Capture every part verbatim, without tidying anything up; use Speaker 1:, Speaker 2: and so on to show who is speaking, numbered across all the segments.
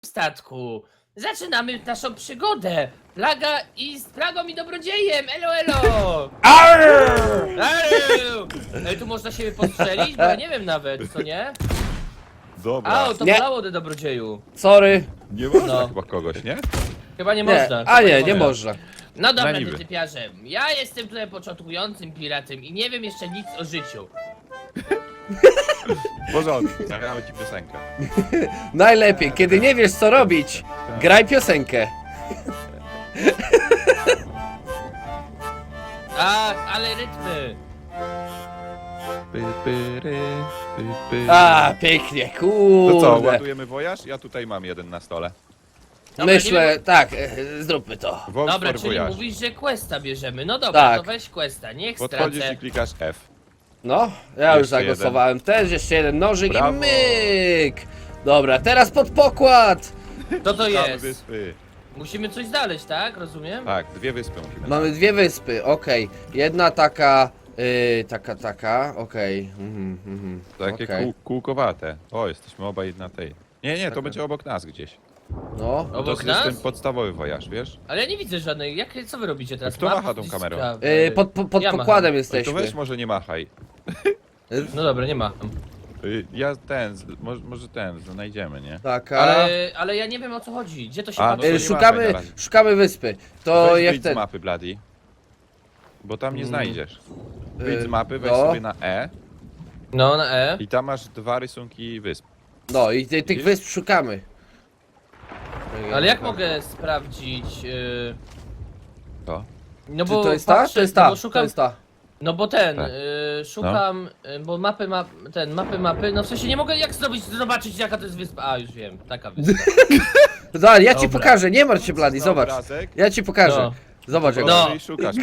Speaker 1: statku. Zaczynamy naszą przygodę. Plaga i z plagą i dobrodziejem. Elo, elo. Arr! Ej, tu można siebie postrzelić? Bo ja nie wiem nawet, co nie?
Speaker 2: Dobra.
Speaker 1: A, to
Speaker 3: Nie.
Speaker 1: bolało do dobrodzieju.
Speaker 3: Sorry.
Speaker 2: Nie można
Speaker 1: No.
Speaker 2: chyba kogoś, nie?
Speaker 1: Chyba nie
Speaker 3: Nie,
Speaker 1: można.
Speaker 3: a nie, nie
Speaker 1: Chyba
Speaker 3: można.
Speaker 1: No dobra,
Speaker 2: Na niby.
Speaker 1: ty typiarze. Ja jestem tutaj początkującym piratem i nie wiem jeszcze nic o życiu.
Speaker 2: W porządku, zagramy ci piosenkę.
Speaker 3: Najlepiej, kiedy nie wiesz co robić, graj piosenkę.
Speaker 1: Ach, ale rytmy.
Speaker 2: Py, pyry, py, py.
Speaker 3: A, pięknie,
Speaker 2: To co,
Speaker 3: kurde.
Speaker 2: ładujemy wojaż? Ja tutaj mam jeden na stole.
Speaker 1: Dobra, nie
Speaker 3: Myślę,
Speaker 1: wiem-
Speaker 3: tak, e, zróbmy to.
Speaker 2: Vote
Speaker 1: Dobra,
Speaker 2: for
Speaker 1: czyli
Speaker 2: voyage.
Speaker 1: mówisz, że questa bierzemy. No dobra,
Speaker 3: Tak.
Speaker 1: to weź questa, niech
Speaker 2: Podchodzisz
Speaker 1: stracę.
Speaker 2: i klikasz F.
Speaker 3: No, ja już
Speaker 2: Jeszcze
Speaker 3: zagłosowałem też, jeszcze jeden nożyk
Speaker 2: Brawo.
Speaker 3: i myk. Dobra, teraz pod pokład.
Speaker 1: Co to
Speaker 2: Szukamy
Speaker 1: jest?
Speaker 2: wyspy.
Speaker 1: Musimy coś znaleźć, tak? Rozumiem?
Speaker 2: Tak, dwie wyspy musimy.
Speaker 3: Mamy dwie wyspy, okej. Jedna taka, yy, taka, taka, okej. Mhm, mhm,
Speaker 2: Takie
Speaker 3: okej.
Speaker 2: kół, kółkowate. O, jesteśmy obaj na tej. Nie, nie, to
Speaker 3: Taka.
Speaker 2: będzie obok nas gdzieś.
Speaker 3: No,
Speaker 2: To
Speaker 1: Obok
Speaker 2: jest
Speaker 1: nas?
Speaker 2: ten podstawowy wojaż, wiesz?
Speaker 1: Ale ja nie widzę żadnej. Jak, co wy robicie teraz?
Speaker 2: Kto
Speaker 1: Map
Speaker 2: macha tą
Speaker 1: gdzieś
Speaker 2: kamerą?
Speaker 1: sprawy.
Speaker 3: yy, pod, pod, pod
Speaker 1: Ja macham.
Speaker 3: pokładem
Speaker 2: To
Speaker 3: jesteśmy.
Speaker 2: weź może nie machaj.
Speaker 1: No dobra, nie ma.
Speaker 2: Y, Ja ten, z- może, może ten, znajdziemy, nie?
Speaker 3: Taka.
Speaker 1: Ale, ale ja nie wiem o co chodzi. Gdzie to się
Speaker 2: A, no
Speaker 1: patrzy?
Speaker 2: to
Speaker 3: Yy,
Speaker 2: nie
Speaker 3: szukamy,
Speaker 2: machaj na razie.
Speaker 3: szukamy wyspy. To
Speaker 2: Weź
Speaker 3: jak
Speaker 2: wyjdź
Speaker 3: ten.
Speaker 2: z mapy, Bloody. Bo tam nie
Speaker 3: Mm.
Speaker 2: znajdziesz. Wyjdź z
Speaker 3: Yy,
Speaker 2: mapy, weź
Speaker 3: no.
Speaker 2: sobie na E
Speaker 1: No, na E.
Speaker 2: i tam masz dwa rysunki wysp.
Speaker 3: No i ty, tych
Speaker 2: Widzisz?
Speaker 3: wysp szukamy.
Speaker 1: Ale jak mogę sprawdzić? Yy...
Speaker 2: To?
Speaker 1: No
Speaker 3: Czy
Speaker 1: bo
Speaker 3: to jest ta?
Speaker 1: patrzę,
Speaker 3: To jest
Speaker 1: no
Speaker 3: ta,
Speaker 1: bo
Speaker 3: to
Speaker 1: szukam,
Speaker 3: jest ta.
Speaker 1: no bo ten,
Speaker 2: Tak.
Speaker 1: yy, szukam, yy, bo mapy, map, ten, mapy, mapy, no w sensie nie mogę jak zrobić, zobaczyć jaka to jest wyspa. A, już wiem, taka wyspa.
Speaker 3: Dobra, ja ci
Speaker 1: Dobra.
Speaker 3: pokażę, nie martw się Blady,
Speaker 2: Na
Speaker 3: zobacz.
Speaker 2: obrazek.
Speaker 3: Ja ci pokażę.
Speaker 1: No.
Speaker 3: Zobacz jak.
Speaker 1: No.
Speaker 2: No. I szukasz.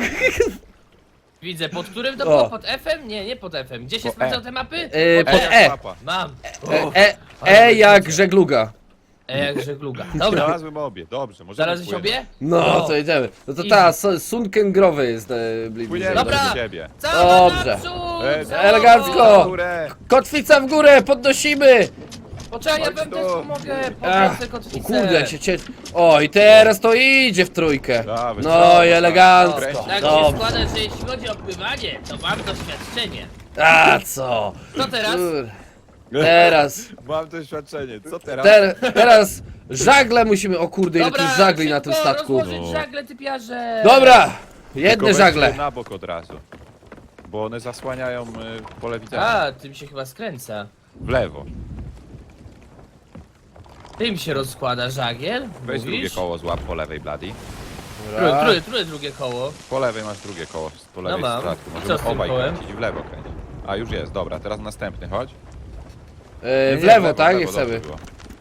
Speaker 1: Widzę, pod którym to
Speaker 3: O.
Speaker 1: było? Pod F-em? Nie, nie pod F-em. Gdzie się
Speaker 2: Po
Speaker 1: sprawdzają
Speaker 2: E.
Speaker 1: te mapy?
Speaker 3: Yy,
Speaker 1: Pod
Speaker 3: pod
Speaker 1: E.
Speaker 3: E.
Speaker 2: Mapa.
Speaker 1: Mam.
Speaker 3: E, e, e jak żegluga.
Speaker 1: E jak żegluga. Dobra,
Speaker 2: Znalazłem obie, dobrze, możemy
Speaker 1: znalazłeś
Speaker 2: płynąć.
Speaker 1: obie?
Speaker 3: No,
Speaker 1: No.
Speaker 3: to idziemy. No to
Speaker 1: Easy.
Speaker 3: ta, su- sunken growy jest e, bliżej.
Speaker 2: Płyniemy
Speaker 1: Dobra.
Speaker 2: do ciebie.
Speaker 1: Cała
Speaker 3: Dobrze.
Speaker 1: naprzód!
Speaker 2: E,
Speaker 1: cała-
Speaker 3: elegancko.
Speaker 2: Górę.
Speaker 3: Kotwica w górę, podnosimy!
Speaker 1: Poczekaj, ja
Speaker 2: Chodź
Speaker 1: wam
Speaker 2: tu.
Speaker 1: też pomogę.
Speaker 3: Ach,
Speaker 1: Podniosę
Speaker 3: o
Speaker 1: kotwicę.
Speaker 3: kurde, jak się cie... O, i teraz to idzie w trójkę.
Speaker 2: Dawaj,
Speaker 3: No
Speaker 2: dawaj,
Speaker 3: i
Speaker 2: dawaj.
Speaker 3: elegancko.
Speaker 2: Kręć.
Speaker 1: Tak się
Speaker 3: Dobrze.
Speaker 1: składa, że jeśli chodzi o pływanie, to mam doświadczenie.
Speaker 3: A co?
Speaker 1: Co teraz?
Speaker 3: Kur- Teraz,
Speaker 2: Mam doświadczenie, co teraz?
Speaker 3: ter, teraz żagle musimy, o kurde, ile tu
Speaker 1: Dobra,
Speaker 3: żagli na tym
Speaker 1: szybko
Speaker 3: statku.
Speaker 1: rozłożyć
Speaker 2: No.
Speaker 1: żagle, typiarze.
Speaker 3: Dobra,
Speaker 2: Tylko
Speaker 3: jedne
Speaker 2: weź
Speaker 3: żagle.
Speaker 2: je na bok od razu. Bo one zasłaniają y, pole widzenia.
Speaker 1: A, tym się chyba skręca.
Speaker 2: W lewo.
Speaker 1: Tym się rozkłada żagiel?
Speaker 2: Weź drugie
Speaker 1: Mówisz?
Speaker 2: koło, złap po lewej, Bloody.
Speaker 1: Które, które, które drugie koło?
Speaker 2: Po lewej masz drugie koło, po lewej
Speaker 1: mam.
Speaker 2: statku.
Speaker 1: I co z
Speaker 2: Możemy
Speaker 1: tym
Speaker 2: obaj
Speaker 1: kołem?
Speaker 2: kręcić, w lewo kręcić. A, już jest, dobra, teraz następny, chodź.
Speaker 3: E,
Speaker 2: Nie,
Speaker 3: w
Speaker 2: nie,
Speaker 3: lewo, tak?
Speaker 2: w
Speaker 3: Nie
Speaker 2: dobrze
Speaker 3: chcemy.
Speaker 2: było.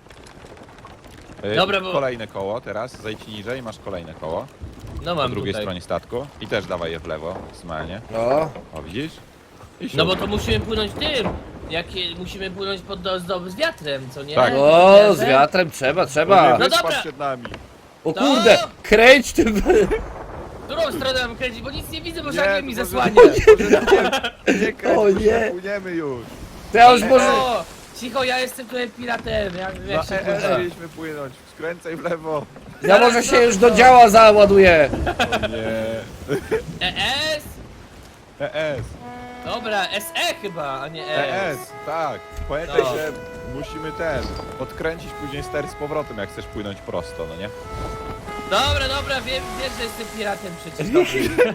Speaker 2: Y,
Speaker 1: Dobra, bo-
Speaker 2: Kolejne koło teraz, zejdź niżej, masz kolejne koło.
Speaker 1: No
Speaker 2: Po
Speaker 1: mam
Speaker 2: drugiej
Speaker 1: tutaj.
Speaker 2: stronie statku. I też dawaj je w lewo, maksymalnie.
Speaker 3: No,
Speaker 2: O, widzisz? I
Speaker 1: No bo
Speaker 2: siódmy.
Speaker 1: to musimy płynąć tym. Jakie musimy płynąć pod do, z, z wiatrem, co nie?
Speaker 2: Tak.
Speaker 3: o, z wiatrem trzeba,
Speaker 2: To
Speaker 3: trzeba.
Speaker 2: nie
Speaker 1: No
Speaker 2: wyspa
Speaker 1: dobra.
Speaker 2: przed nami.
Speaker 3: O
Speaker 1: To-
Speaker 3: kurde, kręć tym.
Speaker 1: Którą stronę mam kręcić, bo nic nie widzę, bo
Speaker 2: Nie,
Speaker 1: żagiel mi
Speaker 2: to
Speaker 1: zasłania.
Speaker 2: może- Nie, nie kręć,
Speaker 3: O
Speaker 2: bo
Speaker 3: nie.
Speaker 2: się płyniemy już.
Speaker 3: To ja już może...
Speaker 1: O, cicho, ja jestem tutaj piratem, jak, jak się
Speaker 2: Na E S
Speaker 1: pływa.
Speaker 2: mieliśmy płynąć, skręcaj w lewo.
Speaker 3: Ja może się już do działa załaduję.
Speaker 2: O nie.
Speaker 1: E S?
Speaker 2: E S.
Speaker 1: Dobra, S E chyba, a nie
Speaker 2: E
Speaker 1: E
Speaker 2: S, tak. Pamiętaj,
Speaker 1: No.
Speaker 2: że musimy ten, odkręcić później ster z powrotem, jak chcesz płynąć prosto, no nie?
Speaker 1: Dobra, dobra, wiem, wiem, że jestem piratem przecież dobry.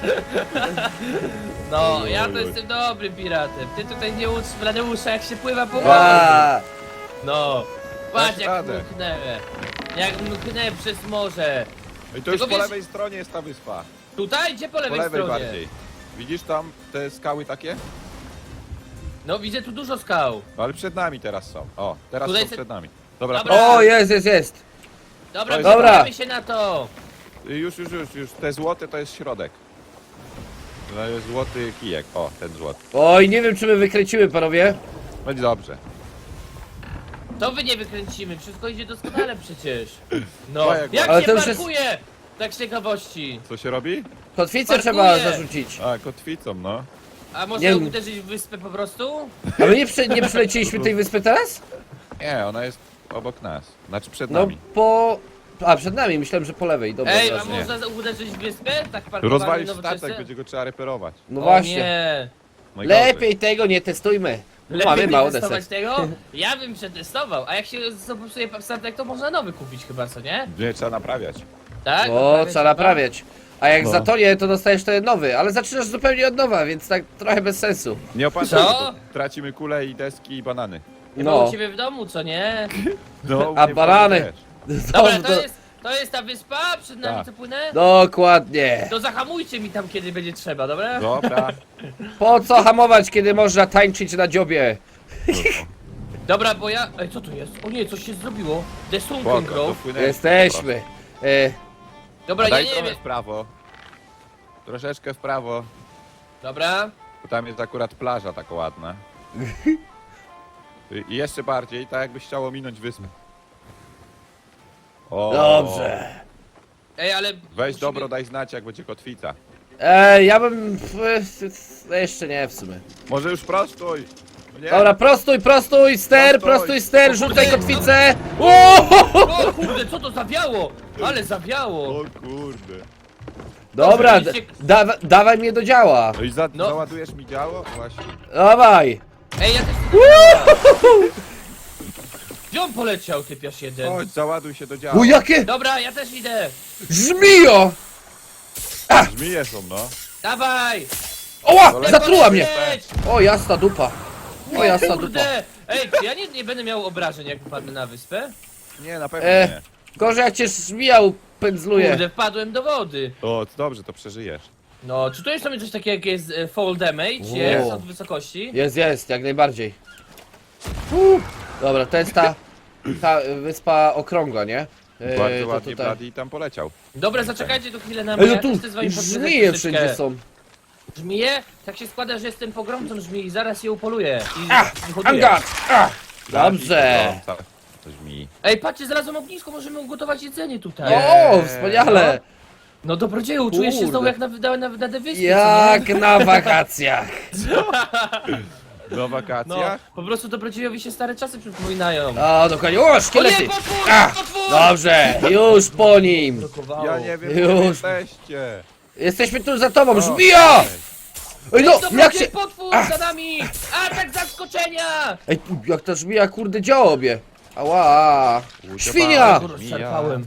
Speaker 1: No, ja to jestem dobrym piratem. Ty tutaj nie ucz Bladeusza, jak się pływa po morzu.
Speaker 3: A,
Speaker 1: No, patrz
Speaker 2: Dasz
Speaker 1: jak
Speaker 2: radę.
Speaker 1: mknę. Jak mknę przez morze.
Speaker 2: No i to już
Speaker 1: Tylko
Speaker 2: po
Speaker 1: wiesz-
Speaker 2: lewej stronie jest ta wyspa.
Speaker 1: Tutaj? Gdzie po
Speaker 2: Po
Speaker 1: lewej,
Speaker 2: lewej
Speaker 1: stronie?
Speaker 2: bardziej. Widzisz tam te skały takie?
Speaker 1: No, widzę tu dużo skał.
Speaker 2: No ale przed nami teraz są. O, teraz
Speaker 1: Tutaj
Speaker 2: są
Speaker 1: se-
Speaker 2: przed nami. Dobra,
Speaker 1: Dobra.
Speaker 3: o, jest, jest, jest.
Speaker 1: Dobra,
Speaker 2: jest-
Speaker 3: Dobra.
Speaker 1: przygotujemy się na to.
Speaker 2: pro- już, już, już, już. Te złote to jest środek. To jest złoty kijek. O, ten złoty.
Speaker 3: Oj, nie wiem czy my wykręcimy, panowie.
Speaker 2: Będzie dobrze.
Speaker 1: To wy nie wykręcimy, wszystko idzie doskonale przecież. No,
Speaker 2: No, jak-
Speaker 1: jak
Speaker 3: Ale
Speaker 1: się
Speaker 3: to już jest-
Speaker 1: parkuje? Tak z ciekawości.
Speaker 2: Co się robi?
Speaker 3: Kotwicę
Speaker 1: Parkuję.
Speaker 3: trzeba zarzucić.
Speaker 2: A, kotwicą, no.
Speaker 1: A może
Speaker 3: Nie-
Speaker 1: uderzyć w wyspę po prostu?
Speaker 3: A my nie, przy, nie przyleciliśmy tej wyspy teraz?
Speaker 2: Nie, ona jest obok nas. Znaczy przed
Speaker 3: No
Speaker 2: nami.
Speaker 3: po... A, przed nami, myślałem, że po lewej, dobra.
Speaker 1: Ej, a
Speaker 3: ważne.
Speaker 2: nie.
Speaker 1: można uderzyć w wyspę? Tak parkowanie
Speaker 2: Rozwalisz
Speaker 1: nowoczesne?
Speaker 2: statek, będzie go trzeba reperować.
Speaker 3: No
Speaker 1: O
Speaker 3: właśnie.
Speaker 1: nie.
Speaker 2: Najgorzej.
Speaker 3: Lepiej tego nie testujmy.
Speaker 1: Lepiej
Speaker 3: Mamy
Speaker 1: nie
Speaker 3: mało
Speaker 1: testować
Speaker 3: desek.
Speaker 1: tego? Ja bym przetestował, a jak się popsuje statek, to można nowy kupić chyba, co nie?
Speaker 2: Nie, trzeba naprawiać.
Speaker 1: Tak?
Speaker 3: O,
Speaker 1: Naprawiać
Speaker 3: trzeba
Speaker 1: chyba?
Speaker 3: naprawiać. A jak
Speaker 2: No.
Speaker 3: zatonie, to dostajesz ten nowy, ale zaczynasz zupełnie od nowa, więc tak trochę bez sensu.
Speaker 2: Nie opatrzmy,
Speaker 1: Co?
Speaker 2: bo tracimy kule i deski i banany.
Speaker 1: Chyba
Speaker 3: No.
Speaker 1: u ciebie w domu, co nie?
Speaker 2: No, u
Speaker 3: A
Speaker 2: mnie w
Speaker 3: banany?
Speaker 2: domu też.
Speaker 1: Dobra,
Speaker 3: Dobrze,
Speaker 1: to
Speaker 3: to...
Speaker 1: jest, to jest ta wyspa, przed nami
Speaker 2: Tak.
Speaker 1: co płynę?
Speaker 3: Dokładnie.
Speaker 1: To zahamujcie mi tam, kiedy będzie trzeba, dobra?
Speaker 2: Dobra.
Speaker 3: Po co hamować, kiedy można tańczyć na dziobie?
Speaker 1: Dobra, bo ja... Ej, co to jest? O nie, coś się zrobiło. The Sunken
Speaker 2: Spoko,
Speaker 1: Grove.
Speaker 2: dopłynęliśmy
Speaker 3: Jesteśmy. E,
Speaker 1: Dobra,
Speaker 2: po
Speaker 1: ja
Speaker 2: prostu. Daj
Speaker 1: nie
Speaker 2: trochę
Speaker 1: wiem.
Speaker 2: w prawo. Troszeczkę w prawo.
Speaker 1: Dobra.
Speaker 2: Bo tam jest akurat plaża taka ładna. I jeszcze bardziej, tak jakbyś chciał ominąć wyspę. O,
Speaker 3: dobrze.
Speaker 1: Ej, ale...
Speaker 2: Weź
Speaker 1: musimy-
Speaker 2: dobro, daj znać, jak będzie kotwica.
Speaker 3: E, ja bym... e, Jeszcze nie w sumie.
Speaker 2: Może już prostuj! Nie.
Speaker 3: Dobra, prostuj, prostuj, ster,
Speaker 2: Prostuj.
Speaker 3: prostuj, ster,
Speaker 1: O
Speaker 3: rzucaj
Speaker 1: kurde,
Speaker 3: kotwicę. O!
Speaker 1: O kurde, co to zawiało? Ale zawiało.
Speaker 2: O kurde.
Speaker 3: Dobra,
Speaker 1: Dobrze,
Speaker 3: d- dawa, dawaj mnie do działa.
Speaker 2: No i za,
Speaker 1: No.
Speaker 2: załadujesz mi działo? Właśnie.
Speaker 3: Dawaj.
Speaker 1: Ej, ja też... Gdzie on poleciał, typiarz jeden?
Speaker 2: Chodź, załaduj się do działo.
Speaker 3: O, jakie
Speaker 1: Dobra, ja też idę.
Speaker 3: żmijo!
Speaker 2: Żmije są, no.
Speaker 1: Dawaj!
Speaker 3: Oła,
Speaker 2: Dobra.
Speaker 3: zatruła mnie.
Speaker 1: Leć!
Speaker 3: O, jasna dupa. O, jasna dupa.
Speaker 1: Kurde! Ej, czy ja nie, nie będę miał obrażeń, jak wpadnę na wyspę?
Speaker 2: Nie, na pewno
Speaker 3: E.
Speaker 2: nie.
Speaker 3: Gorzej jak cię żmija upędzluje.
Speaker 1: Kurde, wpadłem do wody.
Speaker 2: O, to dobrze, to przeżyjesz.
Speaker 1: No, czy to jest tam coś takiego jak jest e, fall damage?
Speaker 3: Wow.
Speaker 1: Jest od wysokości?
Speaker 3: Jest, jest, jak najbardziej. Uh. Dobra, to jest ta, ta wyspa okrągła, nie? E,
Speaker 2: Bardzo
Speaker 3: to
Speaker 2: ładnie
Speaker 3: tutaj.
Speaker 2: Bloody tam poleciał.
Speaker 1: Dobra, zaczekajcie tu chwilę na mnie,
Speaker 3: Ej, no
Speaker 1: ja
Speaker 3: tu
Speaker 1: też chcę z wami podwiedzać
Speaker 3: żmije
Speaker 1: troszeczkę.
Speaker 3: wszędzie są.
Speaker 1: Żmije? Tak się składa, że jestem pogromcą żmii i zaraz je upoluję. I
Speaker 3: Ah,
Speaker 1: wyhoduję.
Speaker 3: Angat! Ah.
Speaker 2: Bloody
Speaker 3: Dobrze.
Speaker 2: to To żmij.
Speaker 1: Ej, patrzcie, znalazłem ognisko, możemy ugotować jedzenie tutaj.
Speaker 2: Nie.
Speaker 3: O, wspaniale!
Speaker 1: No dobrodzieju, czujesz się
Speaker 3: Kurde.
Speaker 1: znowu jak na, na, na, na wyspie,
Speaker 3: Jak na wakacjach.
Speaker 2: Na
Speaker 1: No,
Speaker 2: wakacjach?
Speaker 1: po prostu dobrodziejowi się stare czasy przypominają.
Speaker 3: O, dokładnie. O,
Speaker 1: O nie,
Speaker 3: szkielety!
Speaker 1: potwór!
Speaker 3: A,
Speaker 1: Potwór!
Speaker 3: Dobrze, już po nim.
Speaker 1: Blokowało.
Speaker 2: Ja nie wiem,
Speaker 3: Już.
Speaker 2: gdzie jesteście.
Speaker 3: Jesteśmy tu za tobą,
Speaker 2: O,
Speaker 3: żmija!
Speaker 2: ej.
Speaker 3: Ej, no,
Speaker 1: Ej, dobrodziej,
Speaker 3: jak się...
Speaker 1: potwór
Speaker 3: Ach.
Speaker 1: za nami! Atak zaskoczenia!
Speaker 3: Ej, tu, jak ta żmija, kurde, działobie. Ała. Świnia!
Speaker 1: Kurwa, rozczarpałem.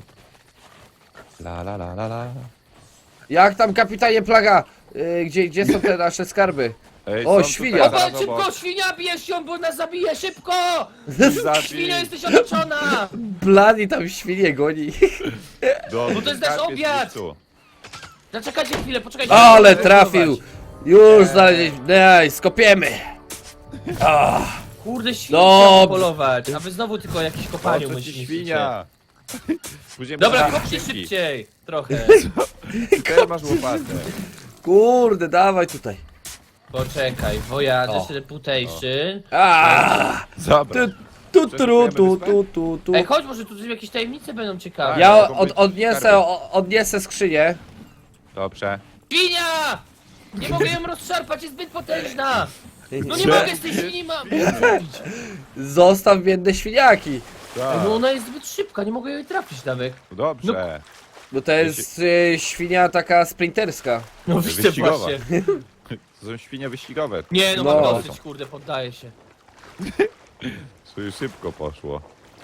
Speaker 2: La la la la la.
Speaker 3: Jak tam, kapitanie Plaga? Y, gdzie, gdzie są te nasze skarby?
Speaker 2: Ej,
Speaker 3: O,
Speaker 2: są
Speaker 3: świnia.
Speaker 2: tutaj
Speaker 1: Dobra,
Speaker 2: zaraz
Speaker 1: szybko,
Speaker 2: obok.
Speaker 1: świnia, bierz ją, bo nas zabije, szybko!
Speaker 2: Zabij.
Speaker 1: Świnia, jesteś otoczona!
Speaker 3: Blady tam świnie goni.
Speaker 2: Dobrze,
Speaker 1: Bo to jest nasz
Speaker 2: skarb
Speaker 1: obiad.
Speaker 2: w miejscu.
Speaker 1: Zaczekajcie chwilę, poczekajcie.
Speaker 3: Ale
Speaker 1: muszę
Speaker 3: trafił.
Speaker 1: zbudować.
Speaker 3: Już znaleźliśmy. Nice, skopiemy. Ah.
Speaker 1: Kurde, świnia
Speaker 3: Dob-
Speaker 1: trzeba polować, a wy znowu tylko jakieś kopaniu
Speaker 2: O, co ci
Speaker 1: myślicie.
Speaker 2: świnia. Później
Speaker 1: Dobra,
Speaker 2: będą
Speaker 1: kopcie
Speaker 2: skrzynki.
Speaker 1: szybciej, trochę.
Speaker 2: Teraz masz łopatę.
Speaker 3: Kurde, dawaj tutaj.
Speaker 1: Poczekaj, wojadę
Speaker 3: O.
Speaker 1: reputation.
Speaker 3: A,
Speaker 2: Dobra.
Speaker 3: tu, tu, tu, tu, tu, tu, tu.
Speaker 1: Ej, chodź, może tu jakieś tajemnice będą ciekawe.
Speaker 3: Ja
Speaker 2: mogą
Speaker 3: od,
Speaker 2: być
Speaker 3: odniesę,
Speaker 2: skarby.
Speaker 3: o, odniesę skrzynię.
Speaker 2: Dobrze.
Speaker 1: Świnia! Nie mogę ją rozszarpać, jest zbyt potężna! No nie
Speaker 2: Gdzie?
Speaker 1: mogę z tej świni ma... zrobić.
Speaker 3: Zostaw biedne świniaki.
Speaker 1: Ej,
Speaker 2: Tak.
Speaker 1: no ona jest zbyt szybka, nie mogę jej trafić nawet.
Speaker 2: Dobrze.
Speaker 3: Bo to jest y, świnia taka sprinterska.
Speaker 1: No
Speaker 2: widzę
Speaker 1: wyścigowa.
Speaker 2: właśnie. To są świnie wyścigowe.
Speaker 1: Nie, no,
Speaker 3: No.
Speaker 1: mam dosyć, kurde, poddaję się.
Speaker 2: To już szybko poszło.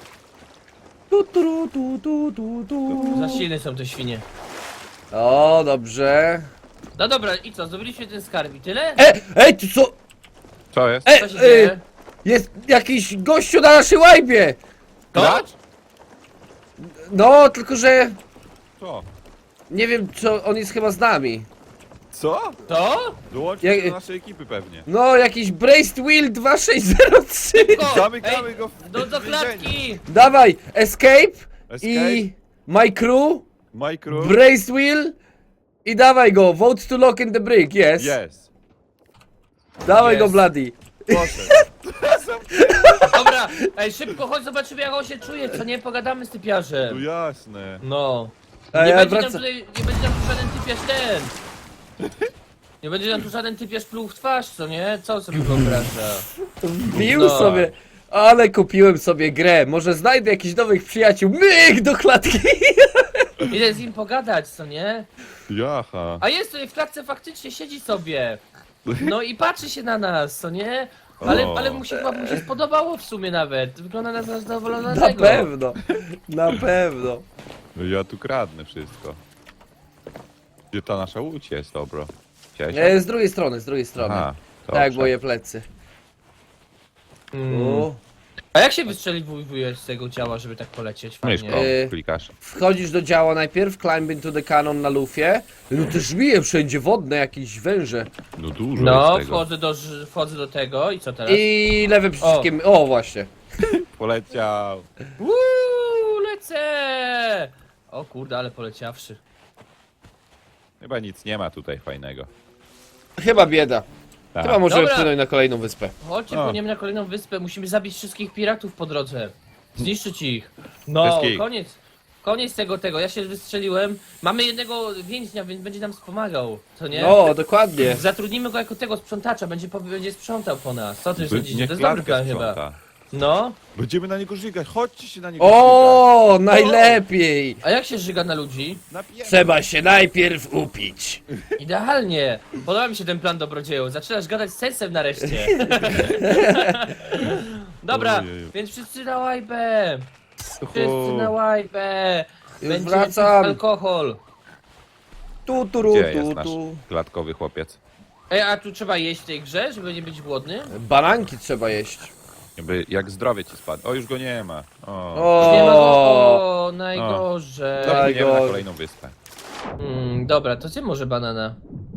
Speaker 3: Tu, tu, tu, tu, tu, tu.
Speaker 1: Za silne są te świnie.
Speaker 3: O, dobrze.
Speaker 1: No dobra, i co, zdobyliśmy ten skarb i tyle?
Speaker 3: E, ej, tu co?
Speaker 2: Co jest?
Speaker 3: E,
Speaker 1: Co się
Speaker 3: e,
Speaker 1: dzieje?
Speaker 3: jest jakiś gościu na naszej łajbie.
Speaker 1: To?
Speaker 3: No, tylko że
Speaker 2: Co?
Speaker 3: nie wiem, co on jest chyba z nami.
Speaker 2: Co?
Speaker 1: To?
Speaker 2: Dołączył
Speaker 3: Jak-
Speaker 2: się do naszej ekipy pewnie.
Speaker 3: No, jakiś Braced Wheel dwa sześć zero trzy.
Speaker 1: Szybko!
Speaker 2: Zamykamy
Speaker 1: Ej,
Speaker 2: go w
Speaker 1: Do, do
Speaker 2: w więzieniu.
Speaker 1: klatki!
Speaker 3: Dawaj, escape,
Speaker 2: Escape,
Speaker 3: i my crew,
Speaker 2: micro.
Speaker 3: Braced Wheel i dawaj go, vote to lock in the brick, yes.
Speaker 2: Yes.
Speaker 3: Dawaj
Speaker 1: Yes.
Speaker 3: go, Bloody.
Speaker 2: Poszedł.
Speaker 1: Dobra, ej, szybko, chodź, zobaczymy jak on się czuje, co nie? Pogadamy z
Speaker 2: No
Speaker 1: typiarzem.
Speaker 2: jasne.
Speaker 1: No.
Speaker 3: A
Speaker 1: Nie
Speaker 3: ja
Speaker 1: będzie nam
Speaker 3: wracam.
Speaker 1: tutaj, nie będzie nam tu żaden typiarz ten. Nie będzie nam tu żaden typiarz pluł w twarz, co nie? Co sobie wyobraża?
Speaker 3: Wbił
Speaker 1: No.
Speaker 3: sobie. Ale kupiłem sobie grę, może znajdę jakichś nowych przyjaciół. Myk do klatki!
Speaker 1: Idę z nim pogadać, co nie?
Speaker 2: Jaha.
Speaker 1: A jest tutaj w klatce, faktycznie siedzi sobie. No i patrzy się na nas, co nie? Ale,
Speaker 2: O.
Speaker 1: ale mu się chyba mu się spodobało w sumie nawet. Wygląda na
Speaker 3: Na
Speaker 1: zadowolonego.
Speaker 3: pewno, na pewno.
Speaker 2: No ja tu kradnę wszystko. Gdzie ta nasza łódź jest, dobro? Chciałeś?
Speaker 3: E, z drugiej strony, z drugiej strony.
Speaker 2: Aha,
Speaker 3: Tak,
Speaker 2: dobrze.
Speaker 3: moje plecy.
Speaker 1: Mm.
Speaker 3: O.
Speaker 1: A jak się wystrzeliwujesz z tego ciała, żeby tak polecieć fajnie?
Speaker 2: Myszką
Speaker 3: E,
Speaker 2: klikasz.
Speaker 3: Wchodzisz do działa najpierw, climb into the cannon na lufie. No te żmije wszędzie wodne, jakieś węże.
Speaker 2: No dużo
Speaker 1: No,
Speaker 2: jest tego.
Speaker 1: wchodzę do, ż- wchodzę do tego i co teraz?
Speaker 3: I lewym przyciskiem. O, właśnie.
Speaker 2: Poleciał.
Speaker 1: Uuu, lecę! O kurde, ale poleciawszy.
Speaker 2: Chyba nic nie ma tutaj fajnego.
Speaker 3: Chyba bieda.
Speaker 2: Tak.
Speaker 3: Chyba możemy
Speaker 1: Dobra.
Speaker 3: wpłynąć na kolejną wyspę.
Speaker 1: Chodźcie,
Speaker 2: O.
Speaker 1: płyniemy na kolejną wyspę, musimy zabić wszystkich piratów po drodze. Zniszczyć ich. No,
Speaker 2: Wszystkich.
Speaker 1: koniec. Koniec tego, tego. Ja się wystrzeliłem. Mamy jednego więźnia, więc będzie nam wspomagał, co nie?
Speaker 3: No, dokładnie.
Speaker 1: Zatrudnimy go jako tego sprzątacza, będzie, po- będzie sprzątał po nas. Co ty
Speaker 2: By-
Speaker 1: sądzisz?
Speaker 2: niech
Speaker 1: To jest dobry
Speaker 2: klatkę
Speaker 1: plan chyba.
Speaker 2: sprząta.
Speaker 1: No.
Speaker 2: Będziemy na niego żygać, chodźcie się na niego żygać.
Speaker 3: O, najlepiej.
Speaker 1: A jak się żyga na ludzi?
Speaker 2: Napijemy.
Speaker 3: Trzeba się najpierw upić.
Speaker 1: Idealnie. Podoba mi się ten plan dobrodzieju. Zaczynasz gadać z sensem nareszcie. Dobra,
Speaker 2: Ojeju.
Speaker 1: więc wszyscy na łajbę. Wszyscy
Speaker 2: Uhu.
Speaker 1: na łajbę.
Speaker 3: Już
Speaker 1: Będzie
Speaker 3: wracam.
Speaker 1: alkohol.
Speaker 3: Tu, tu, ru,
Speaker 2: Gdzie jest
Speaker 3: tu,
Speaker 2: nasz
Speaker 3: tu.
Speaker 2: klatkowy chłopiec?
Speaker 1: Ej, a tu trzeba jeść w tej grze, żeby nie być głodny?
Speaker 3: Bananki trzeba jeść.
Speaker 2: Jakby jak zdrowie ci spadło. O, już go nie ma. O.
Speaker 3: O,
Speaker 1: Nie ma go. O, najgorzej.
Speaker 2: Dobra,
Speaker 3: Daj
Speaker 2: płyniemy na
Speaker 3: go.
Speaker 2: kolejną wyspę.
Speaker 1: Mm, dobra, to zjem może banana.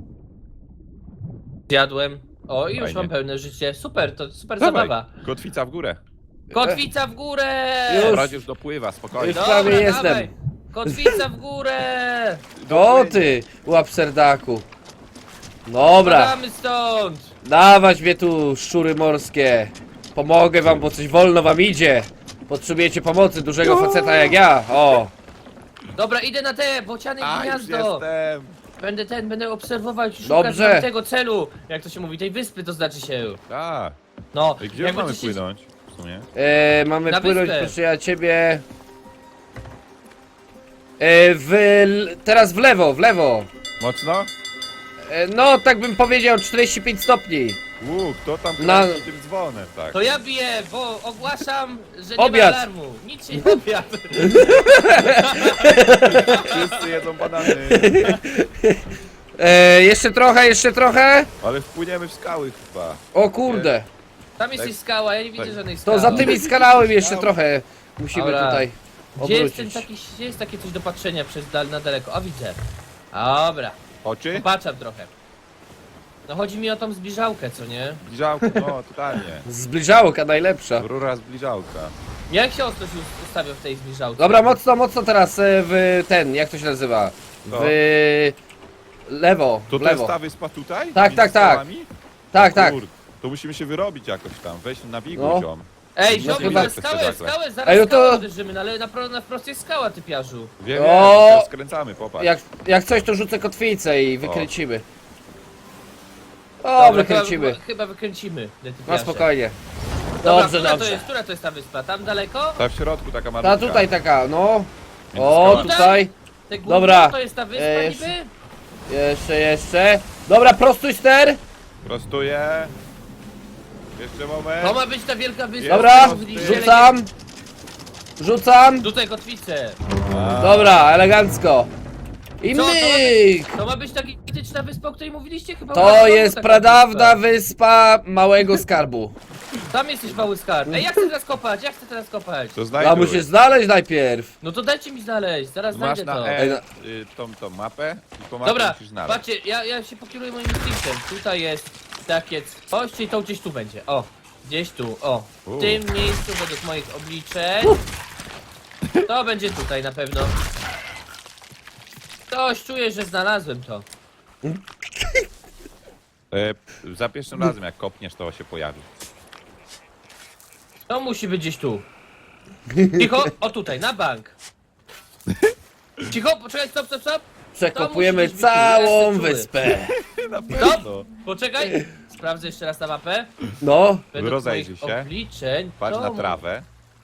Speaker 1: Zjadłem. O, i już
Speaker 2: Fajnie.
Speaker 1: mam pełne życie. Super, to super
Speaker 2: Dawaj,
Speaker 1: zabawa.
Speaker 2: kotwica w górę.
Speaker 1: Kotwica w górę!
Speaker 3: Już.
Speaker 2: Dobra, już dopływa, spokojnie.
Speaker 3: Już prawie
Speaker 1: Dobra,
Speaker 3: jestem.
Speaker 1: dawaj. Kotwica w górę!
Speaker 3: O ty, łapserdaku. Dobra,
Speaker 1: Spadamy stąd!
Speaker 3: dawać mnie tu, szczury morskie. Pomogę wam, bo coś wolno wam idzie. Potrzebujecie pomocy dużego faceta jak ja. O,
Speaker 1: Dobra, idę na te bociany
Speaker 2: A, już
Speaker 1: gniazdo!
Speaker 2: jestem.
Speaker 1: Będę ten, będę obserwować i szukać
Speaker 3: Dobrze.
Speaker 1: tam tego celu. Jak to się mówi, tej wyspy to znaczy się.
Speaker 2: A,
Speaker 1: No,
Speaker 2: i gdzie
Speaker 1: jak
Speaker 2: mamy
Speaker 1: będziecie-
Speaker 2: płynąć? W sumie.
Speaker 3: e, mamy
Speaker 1: Na
Speaker 3: płynąć,
Speaker 1: wyspę.
Speaker 3: proszę ja ciebie. E, w, l- teraz w lewo, w lewo.
Speaker 2: Mocno?
Speaker 3: E, no, tak bym powiedział, czterdzieści pięć stopni.
Speaker 2: Łuk, kto tam
Speaker 3: Na-
Speaker 2: kręci tym dzwonem, tak?
Speaker 1: To ja biję, bo ogłaszam, że nie
Speaker 3: Obiad.
Speaker 1: ma alarmu. Nic się nie obiad.
Speaker 2: Wszyscy jedzą banany.
Speaker 3: E, jeszcze trochę, jeszcze trochę.
Speaker 2: Ale wpłyniemy w skały chyba.
Speaker 3: O kurde.
Speaker 1: Tam jest
Speaker 2: Tak.
Speaker 1: jakaś skała, ja nie widzę
Speaker 2: Tak.
Speaker 1: żadnej skały.
Speaker 3: To za tymi skanałem jeszcze trochę. Musimy
Speaker 1: Dobra.
Speaker 3: tutaj
Speaker 1: Gdzie jest, ten
Speaker 3: obrócić.
Speaker 1: taki, gdzie jest takie coś do patrzenia przez dal na daleko? O, widzę. Dobra,
Speaker 2: Oczy?
Speaker 1: popatrzam trochę. No chodzi mi o tą zbliżałkę, co nie?
Speaker 2: Zbliżałka, no totalnie.
Speaker 3: Zbliżałka najlepsza.
Speaker 2: Rura zbliżałka.
Speaker 1: Jak się ostro się ustawia w tej zbliżałce?
Speaker 3: Dobra, mocno, mocno teraz e, w ten, jak to się nazywa?
Speaker 2: Co?
Speaker 3: W lewo,
Speaker 2: To
Speaker 3: w
Speaker 2: to jest
Speaker 3: lewo.
Speaker 2: ta wyspa tutaj?
Speaker 3: Tak,
Speaker 2: Między
Speaker 3: tak, tak.
Speaker 2: skałami?
Speaker 3: Tak, tak.
Speaker 2: Kurde, to musimy się wyrobić jakoś tam. Weź na biegu,
Speaker 3: No.
Speaker 2: ziom.
Speaker 1: Ej,
Speaker 3: No
Speaker 1: ziomek,
Speaker 3: chyba-
Speaker 1: na skałę, skałę, zaraz
Speaker 3: Ej, no to-
Speaker 1: skałę uderzymy, no ale na, pro- na wprost jest skała, typiarzu.
Speaker 2: Wiem,
Speaker 3: O!
Speaker 2: wiem, to skręcamy, popatrz.
Speaker 3: Jak, jak coś, to rzucę kotwicę i wykręcimy. O,
Speaker 1: Dobra,
Speaker 3: wykręcimy.
Speaker 1: Chyba, chyba wykręcimy. te
Speaker 3: Na
Speaker 1: typiarze.
Speaker 3: spokojnie.
Speaker 1: Dobra,
Speaker 3: Dobrze,
Speaker 1: która To
Speaker 3: dobrze.
Speaker 1: jest, która to jest ta wyspa? Tam daleko?
Speaker 2: Ta w środku taka malutka.
Speaker 3: Ta tutaj taka, no.
Speaker 2: Między
Speaker 3: O,
Speaker 2: skałami.
Speaker 3: tutaj.
Speaker 1: Te górne,
Speaker 3: Dobra.
Speaker 1: To jest ta wyspa
Speaker 3: E,
Speaker 1: niby?
Speaker 3: Jeszcze, jeszcze. Dobra, prostuj ster.
Speaker 2: Prostuję. Jeszcze moment.
Speaker 1: To ma być ta wielka wyspa.
Speaker 3: Dobra,
Speaker 1: o której mówiliście, ale
Speaker 3: rzucam. Rzucam.
Speaker 1: nie- Tutaj kotwicę.
Speaker 2: A,
Speaker 3: Dobra, elegancko. I
Speaker 1: Co, to ma
Speaker 3: myk!
Speaker 1: To ma być ta gigantyczna wyspa, o której mówiliście? Chyba
Speaker 3: To
Speaker 1: była
Speaker 3: jest
Speaker 1: taka
Speaker 3: pradawna wyspa małego skarbu.
Speaker 1: wyspa. Tam jest już mały skarb. Ej, ja chcę teraz kopać, ja chcę teraz kopać.
Speaker 2: To
Speaker 3: A
Speaker 2: znajduj.
Speaker 3: musisz znaleźć najpierw.
Speaker 1: No to dajcie mi znaleźć, zaraz
Speaker 2: Masz
Speaker 1: znajdę
Speaker 2: na
Speaker 1: to.
Speaker 2: E
Speaker 3: Ej, no.
Speaker 2: y, tą, tą mapę i po mapie
Speaker 1: Dobra,
Speaker 2: musisz znaleźć.
Speaker 1: patrzcie, ja, ja się pokieruję moim instynktem. Tutaj jest takie coś, czyli to gdzieś tu będzie. O, gdzieś tu, o. W
Speaker 2: U.
Speaker 1: tym miejscu według moich obliczeń. To będzie tutaj na pewno. Coś czuję, że znalazłem to.
Speaker 2: E, za pierwszym razem jak kopniesz, to się pojawi.
Speaker 1: To musi być gdzieś tu. Cicho, o tutaj, na bank. Cicho, poczekaj, stop, stop, stop.
Speaker 3: Przekopujemy
Speaker 1: musi być wyczuły,
Speaker 3: całą
Speaker 1: jestem czuły.
Speaker 3: wyspę.
Speaker 2: Na
Speaker 1: Stop!
Speaker 2: pewno.
Speaker 1: Poczekaj! Sprawdzę jeszcze raz na mapę.
Speaker 3: No,
Speaker 1: Według
Speaker 2: Rozejrzyj
Speaker 1: moich
Speaker 2: się.
Speaker 1: obliczeń.
Speaker 2: Patrz
Speaker 1: to
Speaker 2: na
Speaker 1: mu-
Speaker 2: trawę.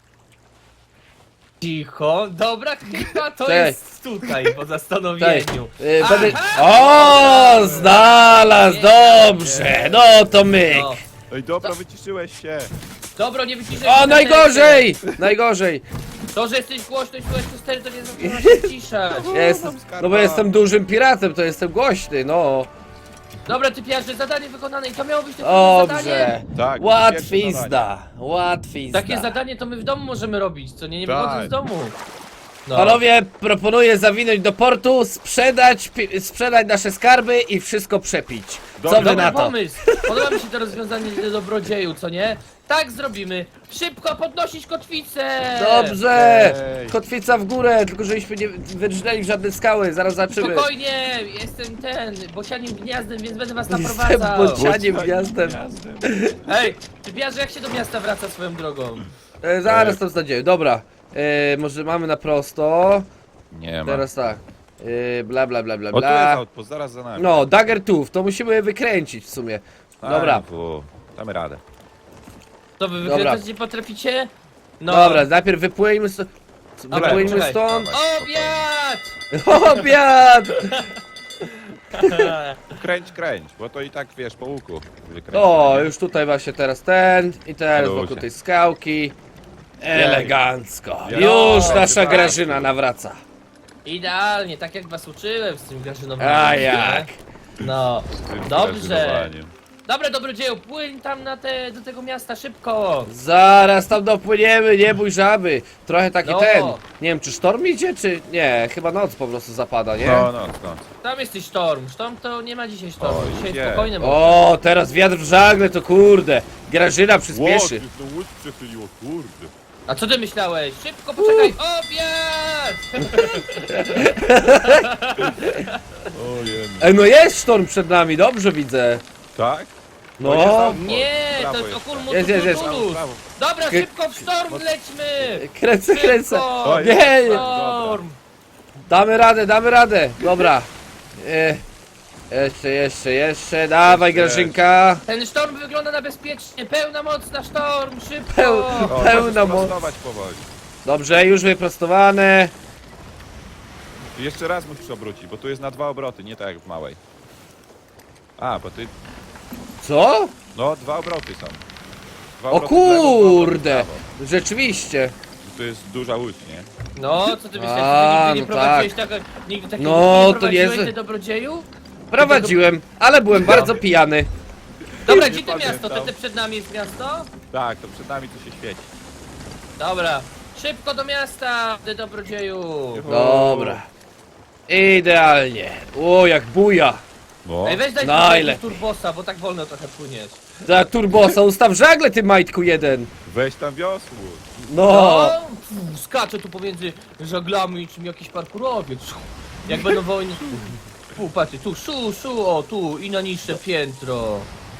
Speaker 1: Cicho, dobra, chyba to
Speaker 3: Cześć.
Speaker 1: jest tutaj, po
Speaker 3: cześć.
Speaker 1: zastanowieniu.
Speaker 3: Y,
Speaker 1: Aha!
Speaker 3: będę... O, znalazł, dobrze, no to myk.
Speaker 1: No.
Speaker 2: Ej, dobra, wyciszyłeś się.
Speaker 1: Dobro, nie wyciszaj.
Speaker 3: O, najgorzej, najgorzej.
Speaker 1: To, że jesteś głośno i słychać to stery, to nie znaczy, że masz się ciszać.
Speaker 3: Ja jestem, no bo jestem dużym piratem, to jestem głośny, no.
Speaker 1: Dobra, ty piarze, zadanie wykonane i to miało być tylko zadanie.
Speaker 3: Dobrze.
Speaker 2: Tak, pierwsze
Speaker 3: Łatwizna, łatwizna.
Speaker 1: Takie zadanie to my w domu możemy robić, co nie, nie
Speaker 2: Tak.
Speaker 1: wychodząc z domu. No.
Speaker 3: Panowie, proponuję zawinąć do portu, sprzedać, pi- sprzedać nasze skarby i wszystko przepić. Co
Speaker 2: Dobra,
Speaker 3: wy
Speaker 1: Dobry
Speaker 3: na to?
Speaker 1: pomysł! Podoba mi się to rozwiązanie dobrodzieju, co nie? Tak zrobimy! Szybko podnosić kotwicę!
Speaker 3: Dobrze!
Speaker 2: Ej.
Speaker 3: Kotwica w górę, tylko żebyśmy nie wydrżnęli w żadne skały, zaraz zobaczymy.
Speaker 1: Spokojnie! Jestem ten, bocianim gniazdem, więc będę was
Speaker 3: Jestem
Speaker 1: naprowadzał!
Speaker 3: bocianiem gwiazdem.
Speaker 1: Ej, ty piarze, jak się do miasta wraca swoją drogą?
Speaker 3: E, zaraz to znajdziemy, dobra. E, może mamy na prosto.
Speaker 2: Nie ma.
Speaker 3: Teraz tak. E, bla bla bla bla
Speaker 2: O, tu jest
Speaker 3: bla.
Speaker 2: outpost, zaraz za nami.
Speaker 3: No, Dagger Tooth, to musimy wykręcić w sumie.
Speaker 2: Aj,
Speaker 3: Dobra.
Speaker 2: fu, damy radę.
Speaker 1: To wy
Speaker 3: Dobra.
Speaker 1: wykręcać nie potraficie? No.
Speaker 3: Dobra, najpierw wypłyńmy stąd.
Speaker 1: Dobra,
Speaker 3: Wypłyńmy
Speaker 1: czekaj.
Speaker 3: stąd.
Speaker 1: Obiad!
Speaker 3: Obiad!
Speaker 2: Kręć, kręć, bo to i tak wiesz po łuku. wykręcę,
Speaker 3: O,
Speaker 2: nie?
Speaker 3: już tutaj właśnie teraz ten i teraz
Speaker 2: Ludzie.
Speaker 3: wokół tej skałki. Elegancko.
Speaker 2: Ja-
Speaker 3: Już
Speaker 2: No,
Speaker 3: nasza
Speaker 2: tak.
Speaker 3: Grażyna nawraca.
Speaker 1: Idealnie, tak jak was uczyłem z tym Grażynowym.
Speaker 3: A jak?
Speaker 1: No.
Speaker 2: Z tym
Speaker 1: Dobrze.
Speaker 2: grażynowaniem.
Speaker 1: Dobra, dobrodzieju, płyń tam na te, do tego miasta szybko.
Speaker 3: Zaraz tam dopłyniemy, nie bój żaby. Trochę taki
Speaker 1: No.
Speaker 3: ten. Nie wiem, czy sztorm idzie, czy nie? Chyba noc po prostu zapada, nie?
Speaker 2: No, no, no.
Speaker 1: Tam jesteś sztorm. Sztorm to nie ma dzisiaj sztormu.
Speaker 2: O,
Speaker 1: Dzisiaj
Speaker 2: idzie.
Speaker 1: spokojne może.
Speaker 3: O, teraz wiatr w żagle, to kurde. Grażyna przyspieszy.
Speaker 2: Ło, to łódź przechyliło, kurde.
Speaker 1: A co ty myślałeś? Szybko, poczekaj. Obiad!
Speaker 2: Ojej.
Speaker 3: Ej, no jest sztorm przed nami, dobrze widzę.
Speaker 2: Tak?
Speaker 3: No.
Speaker 2: O, jest outpost.
Speaker 1: Nie,
Speaker 2: Prawo
Speaker 1: to jest
Speaker 2: jest.
Speaker 1: okulmu
Speaker 3: Jest, jest, jest.
Speaker 2: Prawo, prawo.
Speaker 1: Dobra,
Speaker 3: K-
Speaker 1: szybko w sztorm lećmy!
Speaker 3: Kręcę, kręcę.
Speaker 1: Szybko!
Speaker 2: O,
Speaker 3: Nie,
Speaker 2: jest.
Speaker 3: nie.
Speaker 1: Sztorm!
Speaker 3: Damy radę, damy radę. Dobra. E, jeszcze, jeszcze, jeszcze. Dawaj,
Speaker 2: Jeszcze.
Speaker 3: Grażynka.
Speaker 1: Ten sztorm wygląda na bezpiecznie. Pełna moc na sztorm, szybko!
Speaker 3: Peł-
Speaker 2: O,
Speaker 3: Pełna
Speaker 2: możesz
Speaker 3: moc.
Speaker 2: prostować powoli.
Speaker 3: Dobrze, już wyprostowane.
Speaker 2: I jeszcze raz musisz obrócić, bo tu jest na dwa obroty, nie tak jak w małej. A, bo ty...
Speaker 3: Co?
Speaker 2: No, dwa obroty są. Dwa
Speaker 3: O
Speaker 2: obroty w lewo, dwa obroty w
Speaker 3: kurde.
Speaker 2: prawo.
Speaker 3: Rzeczywiście.
Speaker 2: Tu jest duża łódź, nie?
Speaker 1: No, co ty myślisz,
Speaker 3: A,
Speaker 1: że ty nigdy nie
Speaker 3: no
Speaker 1: prowadziłeś tak. nigdy takiego
Speaker 3: No,
Speaker 1: nie
Speaker 3: to
Speaker 1: prowadziłeś
Speaker 3: niezłe.
Speaker 1: ty dobrodzieju?
Speaker 3: Prowadziłem, ale byłem bardzo pijany.
Speaker 1: Dobra,
Speaker 2: Nie
Speaker 1: gdzie to
Speaker 2: pamiętam.
Speaker 1: miasto? To te przed nami jest miasto?
Speaker 2: Tak, to przed nami tu się świeci.
Speaker 1: Dobra. Szybko do miasta, ty dobrodzieju!
Speaker 3: Dobra. Idealnie. O, jak buja.
Speaker 2: No.
Speaker 1: Ej, weź daj
Speaker 3: Najlepiej.
Speaker 1: tu turbosa, bo tak wolno trochę płyniesz.
Speaker 3: Za turbosa, ustaw żagle, ty majtku jeden.
Speaker 2: Weź tam wiosło.
Speaker 3: No.
Speaker 1: No, pff, skaczę tu pomiędzy żaglami czym jakiś parkurowiec. Jak będą wojny. Tu, patrzcie, tu, szu, szu, o, tu i na niższe piętro.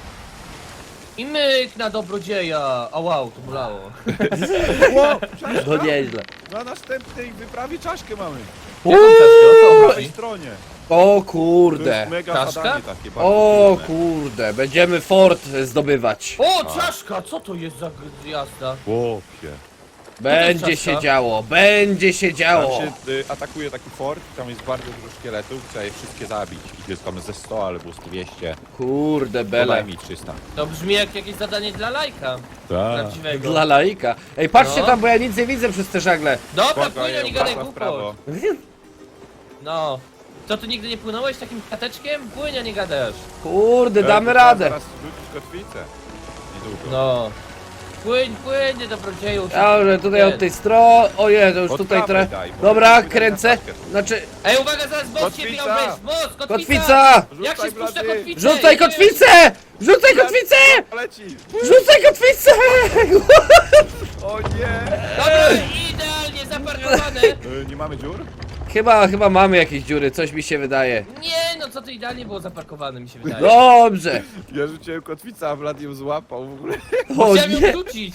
Speaker 1: I myk na dobrodzieja. A wow, to bolało.
Speaker 2: Ło,
Speaker 3: No nieźle.
Speaker 2: na następnej wyprawie czaszkę mamy.
Speaker 1: Jaką czaszkę? O co
Speaker 2: Po
Speaker 1: chodzi?
Speaker 2: prawej stronie.
Speaker 3: O
Speaker 2: To
Speaker 3: kurde.
Speaker 2: jest mega
Speaker 1: Czaszka?
Speaker 2: zadanie takie bardzo
Speaker 3: O
Speaker 2: trudne.
Speaker 3: kurde, będziemy fort zdobywać.
Speaker 1: O, czaszka! Co to jest za g- jazda?
Speaker 2: Chłopie.
Speaker 3: Będzie
Speaker 1: czaszka?
Speaker 3: się działo, będzie się
Speaker 2: Tam
Speaker 3: działo.
Speaker 2: się y, atakuje taki fort, tam jest bardzo dużo szkieletów, trzeba je wszystkie zabić. Ich jest tam ze sto albo z dwieście.
Speaker 3: Kurde bele.
Speaker 2: Podaj mi trzysta.
Speaker 1: To brzmi jak jakieś zadanie dla lajka.
Speaker 2: Tak.
Speaker 1: Prawdziwego.
Speaker 3: Dla laika. Ej, patrzcie
Speaker 1: No.
Speaker 3: tam, bo ja nic nie widzę przez te żagle.
Speaker 1: Dobra, płynie,
Speaker 2: Spokojnie,
Speaker 1: nie gadaj
Speaker 2: uwaga w prawo.
Speaker 1: głupot. No. Co, ty nigdy nie płynąłeś takim kateczkiem? Płynie, nie gadasz.
Speaker 3: Kurde,
Speaker 2: Ej,
Speaker 3: damy
Speaker 2: to trzeba
Speaker 3: radę.
Speaker 2: Zaraz rzucić kotwicę. Niedługo.
Speaker 1: No. Płyń, płyń, nie dobrodzieju.
Speaker 3: Dobrze, tutaj od tej strony. Ojej, to już
Speaker 2: Od
Speaker 3: tutaj
Speaker 2: prawej
Speaker 3: trochę.
Speaker 2: daj, bo
Speaker 3: Dobra,
Speaker 2: widać na
Speaker 3: kręcę.
Speaker 2: paczkę.
Speaker 3: Znaczy,
Speaker 1: Ej, uwaga, zaraz most się
Speaker 2: Kotwica!
Speaker 1: miał wejść. Most, kotwica!
Speaker 3: kotwica!
Speaker 1: Jak się
Speaker 2: Rzucaj,
Speaker 1: spuszcza
Speaker 2: blady.
Speaker 1: kotwicę?
Speaker 3: Rzucaj
Speaker 1: Jedziesz.
Speaker 3: kotwicę! Rzucaj kotwicę!
Speaker 2: Leci!
Speaker 3: Rzucaj kotwicę!
Speaker 2: O nie!
Speaker 1: Dobra, idealnie zaparkowane.
Speaker 2: Y, nie mamy dziur?
Speaker 3: Chyba, chyba mamy jakieś dziury, coś mi się wydaje.
Speaker 1: Nie no co ty, idealnie było zaparkowane, mi się wydaje.
Speaker 3: Dobrze.
Speaker 2: Ja rzuciłem kotwicę, a Vlad ją złapał w ogóle.
Speaker 3: O
Speaker 1: Chciałem ją
Speaker 3: nie.
Speaker 1: wrzucić.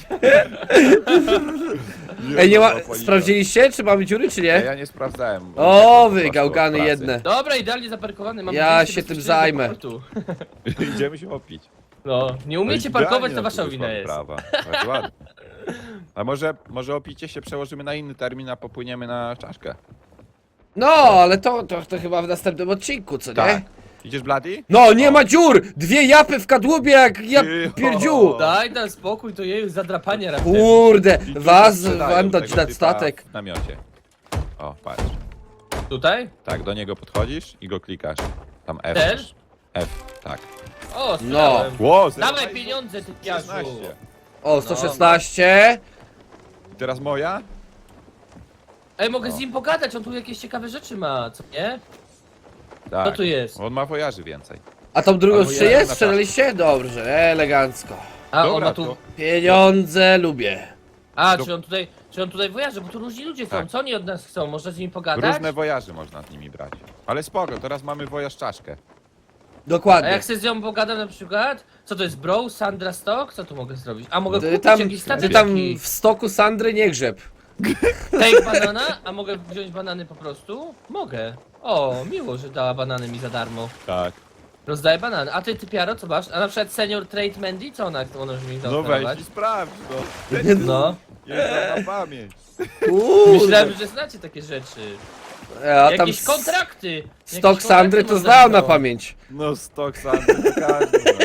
Speaker 3: Ej, nie ma...
Speaker 2: złapał,
Speaker 3: Sprawdziliście, czy mamy dziury, czy
Speaker 2: Ja,
Speaker 3: nie?
Speaker 2: ja nie sprawdzałem.
Speaker 3: O,
Speaker 2: Po
Speaker 3: wy
Speaker 2: prostu
Speaker 3: gałgany
Speaker 2: od pracy.
Speaker 3: jedne.
Speaker 1: Dobra, idealnie zaparkowany, mam
Speaker 3: Ja
Speaker 1: wyjście
Speaker 3: się tym
Speaker 1: bezpośrednio
Speaker 3: zajmę.
Speaker 1: do portu.
Speaker 2: Idziemy się opić.
Speaker 1: No, nie
Speaker 2: No
Speaker 1: umiecie
Speaker 2: i
Speaker 1: parkować,
Speaker 2: idealnie
Speaker 1: to
Speaker 2: na
Speaker 1: wasza
Speaker 2: to
Speaker 1: wina
Speaker 2: wyszła
Speaker 1: jest.
Speaker 2: wyprawa. Bardzo ładnie. A może, może opicie się przełożymy na inny termin, a popłyniemy na czaszkę?
Speaker 3: No, ale to, to, to chyba w następnym odcinku, co nie?
Speaker 2: Tak. Idziesz, Blady?
Speaker 3: No, nie
Speaker 2: O.
Speaker 3: ma dziur! Dwie japy w kadłubie jak ja
Speaker 2: Cicho.
Speaker 3: pierdziu!
Speaker 1: Daj tam spokój, to jej zadrapanie raptem.
Speaker 3: Kurde,
Speaker 2: I tu
Speaker 3: was
Speaker 2: sprzedają
Speaker 3: wam dać
Speaker 2: tego
Speaker 3: na
Speaker 2: typa
Speaker 3: statek.
Speaker 2: W namiocie. O, patrz.
Speaker 1: Tutaj?
Speaker 2: Tak, do niego podchodzisz i go klikasz. Tam F.
Speaker 1: Też?
Speaker 2: F, tak.
Speaker 1: O, sprzedałem.
Speaker 2: Ło,
Speaker 1: Dawaj pieniądze, ty piaszu.
Speaker 2: szesnaście.
Speaker 3: O, sto szesnaście.
Speaker 2: I teraz moja?
Speaker 1: Ej, mogę z nim pogadać, on tu jakieś ciekawe rzeczy ma, co nie?
Speaker 2: Tak.
Speaker 1: Co tu jest?
Speaker 2: On ma wojaży więcej.
Speaker 3: A tą drugą
Speaker 2: Albo
Speaker 3: jeszcze
Speaker 2: ja
Speaker 3: jest?
Speaker 2: na
Speaker 3: Sprzedaliście? Dobrze, elegancko.
Speaker 1: A, on
Speaker 2: Dobra,
Speaker 1: ma tu...
Speaker 2: to
Speaker 3: Pieniądze lubię.
Speaker 1: A,
Speaker 2: Do-
Speaker 1: czy on tutaj... Czy on tutaj wojarzy, bo tu różni ludzie chcą,
Speaker 2: Tak.
Speaker 1: co oni od nas chcą? Można z nimi pogadać?
Speaker 2: różne wojaży można z nimi brać. Ale spoko, teraz mamy wojaż czaszkę.
Speaker 1: A
Speaker 3: Dokładnie.
Speaker 1: jak sobie z nią pogadam na przykład? Co to jest, bro? Sandra Stock? Co tu mogę zrobić? A mogę
Speaker 3: Ty
Speaker 1: kupić
Speaker 3: tam,
Speaker 1: jakiś statek
Speaker 3: ty tam
Speaker 1: taki.
Speaker 3: w stoku Sandry nie grzeb.
Speaker 1: Take banana? A mogę wziąć banany po prostu? Mogę. O, miło, że dała banany mi za darmo.
Speaker 2: Tak.
Speaker 1: Rozdaję banany. A ty, ty Piaro, co masz? A na przykład senior trade Mandy? Co ona, ona już mi
Speaker 2: No
Speaker 1: zaoferować?
Speaker 2: weź i sprawdź, no.
Speaker 1: No.
Speaker 2: Jest na pamięć.
Speaker 3: Kurde.
Speaker 1: Myślałem, że znacie takie rzeczy.
Speaker 3: A tam
Speaker 1: Jakieś kontrakty. Jakieś
Speaker 3: stok
Speaker 1: kontrakty
Speaker 3: Sandry to
Speaker 1: można
Speaker 3: znał na
Speaker 1: było.
Speaker 3: pamięć.
Speaker 2: No stok sam, to każdy zna,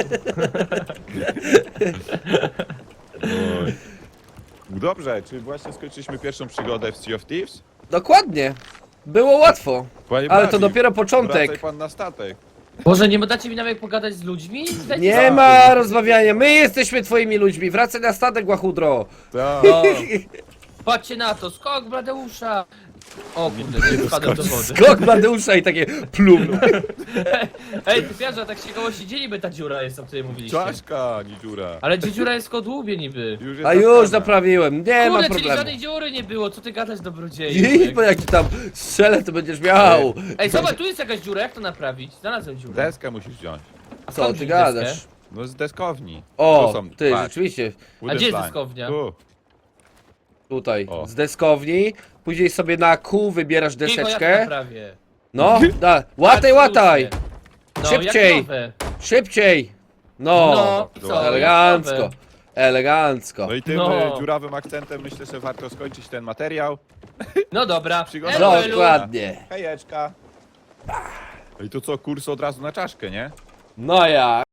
Speaker 2: nie? Oj. Dobrze, czy właśnie skończyliśmy pierwszą przygodę w Sea of Thieves?
Speaker 3: Dokładnie. Było łatwo.
Speaker 2: Panie
Speaker 3: Ale to
Speaker 2: Bladi,
Speaker 3: dopiero
Speaker 2: Wracaj
Speaker 3: początek.
Speaker 2: pan na statek.
Speaker 1: Może nie dacie mi nawet pogadać z ludźmi? Dajcie
Speaker 3: Nie
Speaker 1: spokój.
Speaker 3: ma rozmawiania. My jesteśmy twoimi ludźmi. Wracaj na statek, łachudro.
Speaker 2: Tak.
Speaker 1: No. Patrzcie na to, skok Bladeusza! O kurde, nie spadłem do wody.
Speaker 3: Skok Bladeusza i takie plum.
Speaker 1: Ej, ty Piarze, tak się koło siedzieliby ta dziura jest, o której mówiliście.
Speaker 2: Czaszka, nie dziura.
Speaker 1: Ale gdzie dziura jest w kodłubie niby.
Speaker 2: Już jest
Speaker 3: A już
Speaker 2: napisane.
Speaker 3: naprawiłem. Nie ma
Speaker 1: Kurde, czyli
Speaker 3: problemu.
Speaker 1: żadnej dziury nie było, co ty gadasz dobrodzieju?
Speaker 3: I bo jak ci tam strzelę, to będziesz miał.
Speaker 1: Ej, zobacz, tu jest jakaś dziura, jak to naprawić? Znalazłem dziurę.
Speaker 2: Deskę musisz wziąć.
Speaker 1: A
Speaker 3: Co
Speaker 1: skąd
Speaker 3: ty
Speaker 1: wziąć deskę?
Speaker 3: gadasz?
Speaker 2: No z deskowni.
Speaker 3: O,
Speaker 2: Tu są,
Speaker 3: ty,
Speaker 2: patrz.
Speaker 3: rzeczywiście.
Speaker 2: Wooden
Speaker 1: gdzie jest
Speaker 2: plank.
Speaker 1: deskownia?
Speaker 2: Tu.
Speaker 3: Tutaj,
Speaker 2: O.
Speaker 3: z deskowni. Później sobie na kół wybierasz
Speaker 1: Cicho, ja to
Speaker 3: deseczkę.
Speaker 1: naprawię.
Speaker 3: No, da.
Speaker 1: Tak,
Speaker 3: Łataj, łataj.
Speaker 1: No,
Speaker 3: Szybciej.
Speaker 1: Jak nowe.
Speaker 3: Szybciej. No,
Speaker 1: No, i co?
Speaker 3: elegancko.
Speaker 1: Jak nowe.
Speaker 3: Elegancko.
Speaker 2: No i tym
Speaker 1: No.
Speaker 2: e, dziurawym akcentem myślę, że warto skończyć ten materiał.
Speaker 1: No dobra.
Speaker 2: Przygoda.
Speaker 1: Elu, elu.
Speaker 3: Dokładnie.
Speaker 2: Hejeczka. No i to co, kurs od razu na czaszkę, nie?
Speaker 3: No ja.